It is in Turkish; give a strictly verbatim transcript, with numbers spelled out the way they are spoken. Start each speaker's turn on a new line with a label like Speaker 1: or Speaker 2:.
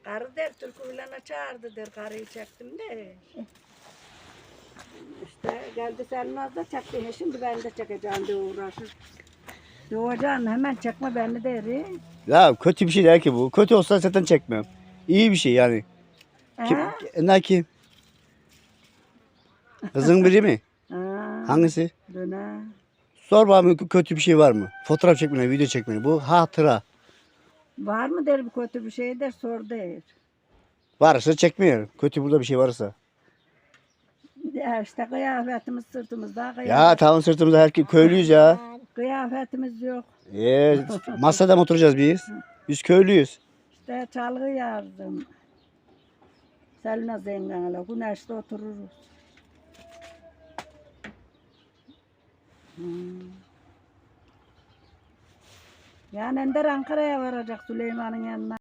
Speaker 1: Karı der Türkü'yle çağırdı der. Karıyı çektim de. İşte geldi Selmaz da çekti. Şimdi ben de çekeceğim diye uğraşır. Doğacan hemen çekme beni der.
Speaker 2: Ya kötü bir şey değil ki bu. Kötü olsa zaten çekmem. İyi bir şey yani. Kim,
Speaker 1: Ha?
Speaker 2: ne kim? Kızın biri mi?
Speaker 1: Ha.
Speaker 2: Hangisi?
Speaker 1: Döne.
Speaker 2: Sor bana kötü bir şey var mı? Fotoğraf çekmeni, video çekmeni. Bu hatıra.
Speaker 1: Var mı der bu kötü bir şey der sor der.
Speaker 2: Varsa çekmiyorum. Kötü burada bir şey varsa.
Speaker 1: Ya işte kıyafetimiz sırtımızda
Speaker 2: Ya
Speaker 1: kıyafet.
Speaker 2: tamam sırtımızda herkes köylüyüz ya.
Speaker 1: Kıyafetimiz yok.
Speaker 2: Ee, masada mı oturacağız biz? Biz köylüyüz.
Speaker 1: İşte çalgı yardım. Selma zenganla güneşte otururuz. Hmm. Yani Ender Ankara'ya varacak Süleyman'ın yanına.